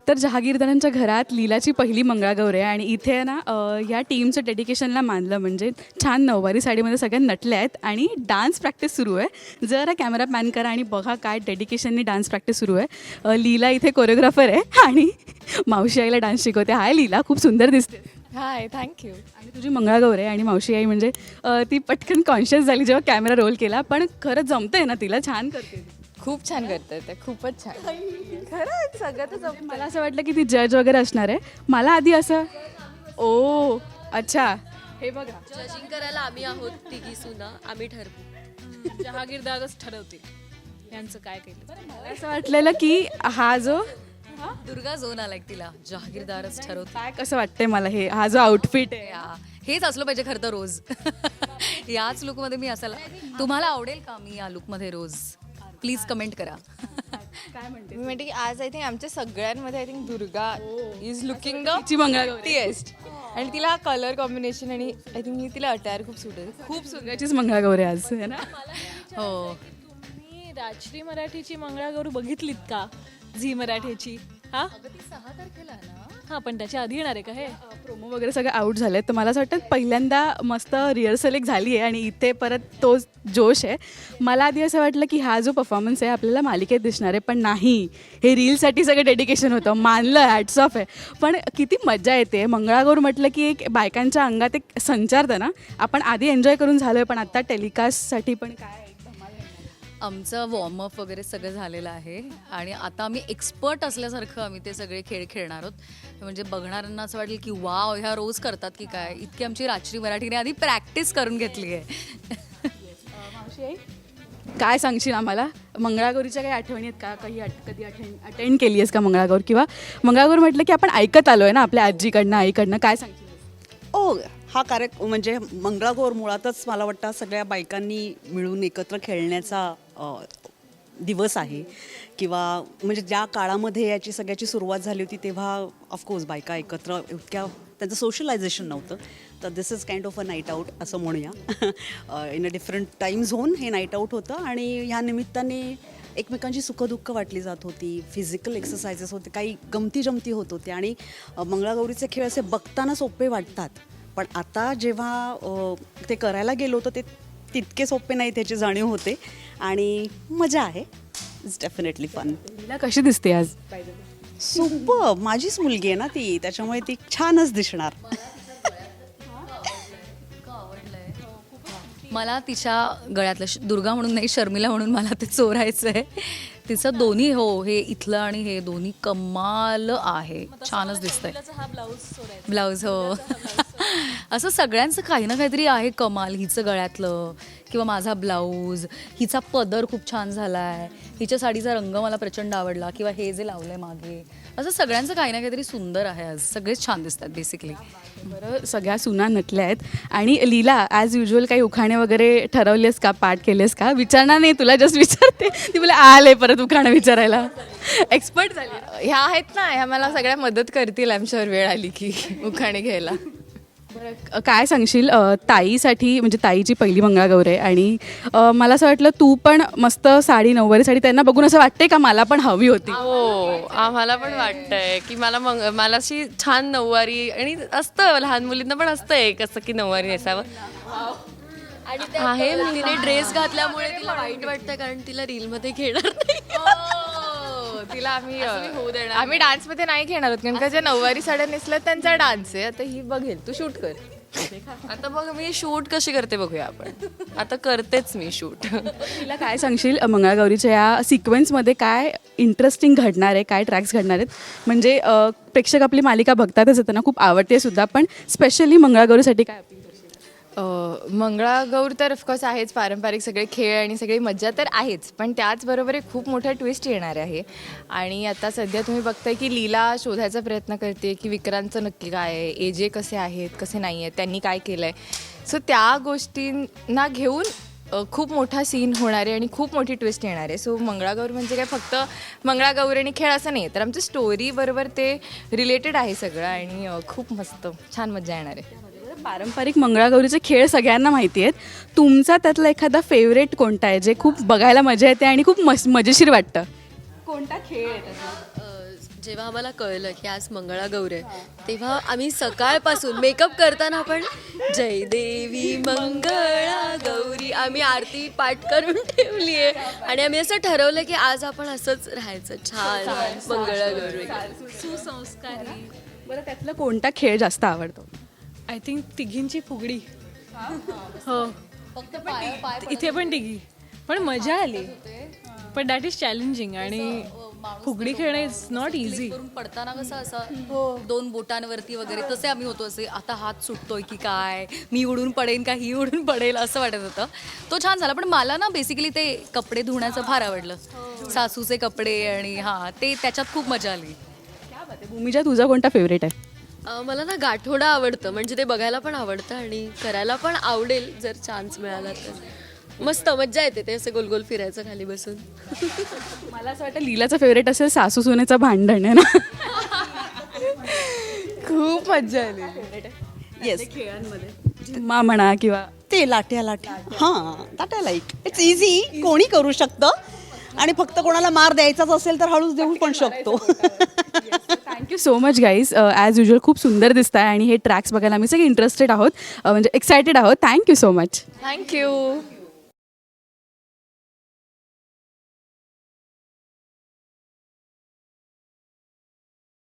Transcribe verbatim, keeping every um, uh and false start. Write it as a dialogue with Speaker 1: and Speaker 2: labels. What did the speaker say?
Speaker 1: Doctor जहागीरदारांच्या घरात लीलाची पहिली मंगळागौर आहे आणि इथे ना अ, या टीमचं डेडिकेशनला मानलं म्हणजे छान नऊवारी साडीमध्ये सगळ्या नटल्या आहेत आणि डान्स प्रॅक्टिस सुरू आहे. जरा कॅमेरा पॅन करा आणि बघा काय डेडिकेशननी डान्स प्रॅक्टिस सुरू आहे. अ, लीला इथे कोरिओग्राफर आहे आणि मावशी आईला डान्स शिकवते. हाय लीला, खूप सुंदर दिसते
Speaker 2: हाय, थँक्यू.
Speaker 1: आणि तुझी मंगळागौर आहे आणि मावशी आई म्हणजे अ, ती पटकन कॉन्शियस झाली जेव्हा कॅमेरा रोल केला, पण खरंच जमतंय ना तिला, छान करते ती.
Speaker 2: खूप छान करते ते, खूपच छान. खरंच सगळं तर जमतंय.
Speaker 1: मला असं वाटलं की ती जज वगैरे असणार आहे. मला आधी असं ओ अच्छा हे बघा
Speaker 3: जजिंग करायला आम्ही आहोत तिघी सुना, आम्ही ठरवू.
Speaker 4: जहागीरदारच ठरवतील यांचं काय केलं.
Speaker 1: मला असं वाटलेलं की हा जो
Speaker 3: दुर्गा झोन आलाय तिला, जहागीरदारच ठरवते.
Speaker 1: काय कसं वाटतंय मला हे हा जो आउटफिट आहे
Speaker 3: या, हेच असलं पाहिजे खरं तर रोज. याच लुकमध्ये मी असायला, तुम्हाला आवडेल का मी या लुकमध्ये रोज? प्लीज कमेंट करा.
Speaker 1: काय म्हणते
Speaker 2: मी म्हणते की आज आय थिंक आमच्या सगळ्यांमध्ये I think Durga is looking the
Speaker 1: तिची मंगळागौर
Speaker 2: टेस्ट आणि तिला कलर कॉम्बिनेशन आणि आय थिंक मी तिला अटायर खूप सुटेल.
Speaker 1: खूप सुंदरचीच मंगळागौर आहे आज है ना.
Speaker 3: हो,
Speaker 4: तुम्ही राजश्री मराठीची मंगळागौर बघितलीत का? झी मराठीची. हा हा पण त्याच्या आधी येणार आहे का हे?
Speaker 1: प्रोमो वगैरे सगळे आउट झाले तर मला असं वाटतं पहिल्यांदा मस्त रिहर्सल एक झाली आहे आणि इथे परत तो जोश आहे. मला आधी असं वाटलं की हा जो परफॉर्मन्स आहे आपल्याला मालिकेत दिसणार आहे, पण नाही, हे रीलसाठी सगळं डेडिकेशन होतं. मानलं, हॅट्स ऑफ आहे. पण किती मजा येते. मंगळागौर म्हटलं की एक बायकांच्या अंगात एक संचारतं ना. आपण आधी एन्जॉय करून झालो आहे, पण आता टेलिकास्टसाठी पण काय
Speaker 3: आमचं वॉर्मअप वगैरे सगळं झालेलं आहे आणि आता आम्ही एक्सपर्ट असल्यासारखं आम्ही ते सगळे खेळ खेळणार आहोत. म्हणजे बघणाऱ्यांना असं वाटेल की वाव, ह्या रोज करतात की काय. इतकी आमची राजश्री मराठीने आधी प्रॅक्टिस करून घेतली आहे.
Speaker 1: काय सांगशील आम्हाला? मंगळागौरीच्या काही आठवणी आहेत का? काही आठ कधी अटेंड अटेंड केली आहेस का मंगळागौर? किंवा मंगळागौर म्हटलं की आपण ऐकत आलो आहे ना आपल्या आजीकडनं आईकडनं, काय सांगशील?
Speaker 5: ओ हा कार्यक्रम म्हणजे मंगळागौर मुळातच मला वाटतं सगळ्या बायकांनी मिळून एकत्र खेळण्याचा अ, दिवस आहे. किंवा म्हणजे ज्या काळामध्ये याची सगळ्याची सुरुवात झाली होती तेव्हा ऑफकोर्स बायका एकत्र इतक्या त्यांचं सोशलायझेशन नव्हतं. तर this is kind of a night out असं म्हणूया. In a different time zone हे नाईट आऊट होतं आणि ह्या निमित्ताने एकमेकांची सुखदुःख वाटली जात होती. फिजिकल एक्सरसाइजेस होते, काही गमती जमती होत होते आणि अ, मंगळागौरीचे खेळ असे बघताना सोपे वाटतात, पण आता जेव्हा अ, ते करायला गेलो तर ते तितके सोपे नाही, त्याची जाणीव होते आणि मजा आहे. It's definitely fun.
Speaker 1: तिला कशी दिसते आज?
Speaker 5: सुपर, माझीच मुलगी आहे ना ती, त्याच्यामुळे ती छानच दिसणार.
Speaker 3: मला तिच्या गळ्यातलं श- दुर्गा म्हणून नाही, शर्मिला म्हणून मला ते चोरायचं आहे. तिचं दोन्ही, हो, हे इथलं आणि हे दोन्ही कमाल आहे. छानच दिसतंय
Speaker 4: हा ब्लाऊज सोडायचा.
Speaker 3: ब्लाऊज. हो. असं सगळ्यांचं काही ना काहीतरी आहे कमाल. हिचं गळ्यातलं किंवा माझा ब्लाऊज, हिचा पदर खूप छान झाला आहे, हिच्या साडीचा रंग मला प्रचंड आवडला, किंवा हे जे लावलं आहे मागे, असं सगळ्यांचं काही ना काहीतरी सुंदर आहे आज. सगळेच छान दिसतात बेसिकली.
Speaker 1: बरं, सगळ्या सुना नटल्या आहेत आणि लीला ॲज युजल काही उखाणे वगैरे ठरवलेस का, पाठ केलेस का? विचारणार नाही तुला, जस्ट विचारते. ती मला आले परत उखाणं विचारायला, एक्सपर्ट झाली.
Speaker 2: ह्या आहेत ना, ह्या मला सगळ्या मदत करतील आमच्यावर वेळ आली की उखाणे घ्यायला.
Speaker 1: बरं, काय सांगशील अ, ताईसाठी, म्हणजे ताईची पहिली मंगळागौर आहे आणि अ, मला असं वाटलं तू पण मस्त साडी, नऊवारी साडी, त्यांना बघून असं वाटते का मला पण हवी होती?
Speaker 6: हो, आम्हाला पण वाटतंय की मला मग मला अशी छान नऊवारी, आणि असतं लहान मुलींना पण असतं एक असं की नऊवारी नेसावं.
Speaker 3: आहे, तिने ड्रेस घातल्यामुळे तिला वाईट वाटतं कारण तिला रीलमध्ये घेणार नाही.
Speaker 2: हो, तिला आम्ही आम्ही डान्समध्ये नाही घेणार आहोत, कारण का ज्या नऊवारी साड्या नेसल्यात त्यांचा डान्स आहे. आता ही बघेल, तू शूट कर.
Speaker 6: आता बघ मी शूट कशी करते बघूया आपण. आता करतेच मी शूट.
Speaker 1: तिला काय सांगशील अ, मंगळागौरीच्या या सिक्वेन्समध्ये काय इंटरेस्टिंग घडणार आहे, काय ट्रॅक्स घडणार आहेत? म्हणजे अ, प्रेक्षक आपली मालिका बघतातच, त्यांना खूप आवडते सुद्धा, पण स्पेशली मंगळागौरीसाठी काय अपील करशील?
Speaker 2: मंगळागौर तर ऑफकोर्स आहेच, पारंपरिक सगळे खेळ आणि सगळी मज्जा तर आहेच, पण त्याचबरोबर एक खूप मोठा ट्विस्ट येणार आहे. आणि आता सध्या तुम्ही बघताय की लीला शोधायचा प्रयत्न करते की विक्रांतचं नक्की काय आहे, एजे कसे आहेत, कसे नाही आहेत, त्यांनी काय केलं आहे. सो त्या गोष्टींना घेऊन अ, खूप मोठा सीन होणार आहे आणि खूप मोठी ट्विस्ट येणार आहे. सो मंगळागौर म्हणजे काय फक्त मंगळागौर आणि खेळ असं नाही, तर आमच्या स्टोरी बरोबर ते रिलेटेड आहे सगळं आणि अ, खूप मस्त छान मजा येणार आहे.
Speaker 1: पारंपरिक मंगळागौरीचे खेळ सगळ्यांना माहिती आहेत. तुमचा त्यातला एखादा फेवरेट कोणता आहे जे खूप बघायला मजा येते आणि खूप मस मजेशीर वाटतं? कोणता खेळ आहे त्याचा?
Speaker 7: जेव्हा आम्हाला कळलं की आज मंगळागौर आहे तेव्हा आम्ही सकाळपासून मेकअप करताना पण जय देवी मंगळा गौरी आम्ही आरती पाठ करून ठेवली आहे आणि आम्ही असं ठरवलं की आज आपण असंच राहायचं छान मंगळागौरी
Speaker 4: सुसंस्कारी.
Speaker 1: बरं त्यातला कोणता खेळ जास्त आवडतो?
Speaker 4: आय थिंक तिघींची फुगडी. हो इथे पण तिघी पण मजा आली पण दॅट इज चॅलेंजिंग आणि फुगडी खेळणं इज नॉट इझी.
Speaker 3: करून पडताना कसं असं दोन बोटांवरती वगैरे तसे आम्ही होतो असे आता हात सुटतोय की काय मी उडून पडेन का ही उडून पडेल असं वाटत होतं. तो छान झाला पण मला ना बेसिकली ते कपडे धुण्याचं फार आवडलं सासूचे कपडे आणि हां ते त्याच्यात खूप मजा आली.
Speaker 1: भूमिजा तुझा कोणता फेवरेट आहे?
Speaker 7: अं, मला ना गाठोडा आवडतं म्हणजे ते बघायला पण आवडतं आणि करायला पण आवडेल जर चान्स मिळाला तर. मस्त मज्जा येते ते असं गोल गोल फिरायचं खाली बसून.
Speaker 1: मला असं वाटतं लीलाचं फेवरेट असेल सासू सुनेचं भांडण आहे ना.
Speaker 2: खूप मजा आली.
Speaker 5: येस
Speaker 1: मा म्हणा किंवा
Speaker 5: ते लाट्या लाट्या हां लाट्या लाईक इट्स इझी कोणी करू शकतं आणि फक्त कोणाला मार द्यायचाच असेल तर हळूच देऊ पण शकतो.
Speaker 1: Thank you so much guys. As usual खूप सुंदर दिसत आहे आणि हे ट्रॅक्स बघायला आम्ही सगळे इंटरेस्टेड आहोत, अ, म्हणजे एक्सायटेड आहोत. Thank you so much.
Speaker 2: थँक्यू.